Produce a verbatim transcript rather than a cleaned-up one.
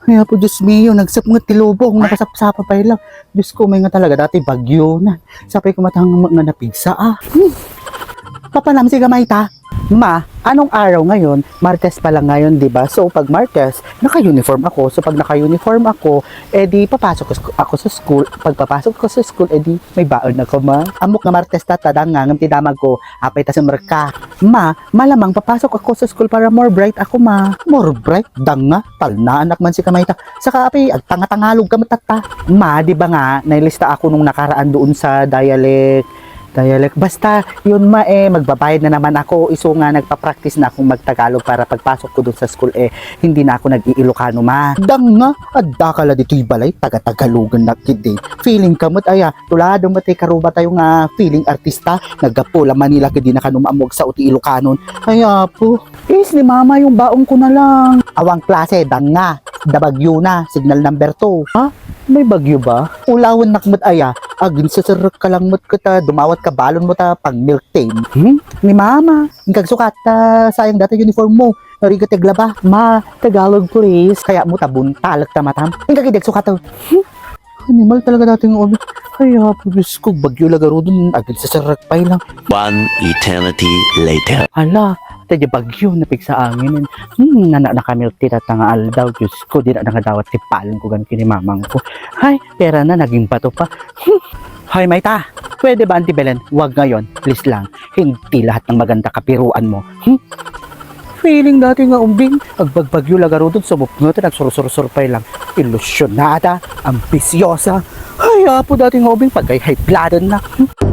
Kaya po, Diyos mio, nagsap nga tilubong, nakasapsapa pa lang. Diyos ko, may nga talaga, dati bagyo na. Sapay ko matang nga napigsa, ah. Hmm. Papanam si gamay ta. Ma, anong araw ngayon? Martes pa lang ngayon, di ba? So, pag Martes, naka-uniform ako. So, pag naka-uniform ako, edi papasok ko- ako sa school. Pag papasok ko sa school, edi may baon ako, ma. Amok nga Martes tatadang nga, ngamti damag ko, apay ta sa merka. Ma, malamang papasok ako sa school para more bright ako, ma. More bright? Dang nga, tal na anak man si kamay ta. Saka, apay, ag tanga-tangalog ka matata. Ma, di ba nga, nailista ako nung nakaraan doon sa dialect Dialect. Basta, yun ma eh, magbabayad na naman ako. Iso nga, nagpa-practice na akong magtagalog para pagpasok ko dun sa school eh, hindi na ako nag-iilocano ma. Dang nga, adda ka la dito'y balay, taga-tagalogan na kid eh. Feeling kamot, aya, tulado mo tayo karuba tayo nga feeling artista, nagapula Manila kidi na kanumamog sa uti Ilocanon. Kaya po, is ni mama yung baong ko na lang. Awang klase, dang nga, dabagyo na, signal number two. Ha? May bagyo ba? Ulawan nakmat aya, agin sa sarap ka lang mat ka ta, dumawat ka balon mo ta, pang milk tame. Hmm? Ni mama, hingkag sukat ta, sayang data uniform mo, nariga tegla ba? Ma, Tagalog please, kaya mo tabun, talag ta matam, hingkag idag sukat ta. Hmm? Animal talaga dating obi. Kaya po, Diyos ko, bagyo lagaro dun, agin sa sarap pa lang. One eternity later. Hala, tadya bagyo napig sa angin. Hmm, nana na kami tita nga aldaw. Diyos ko, di na nakadawat ti palong ko gan kini mamang ko. Hay, pera na, naging bato pa. Hmm. Hay, Mayta, pwede ba, Auntie Belen? Huwag ngayon, please lang. Hindi lahat ng maganda kapiruan mo. Hmm? Feeling dati nga umbing, agbagbagyo lagaro dun, sumupngot, nagsurusur-surpay lang. Ilusyonada, ambisyosa. Ay, apo dati nga umbing, pagkay high blooded na. Hmm?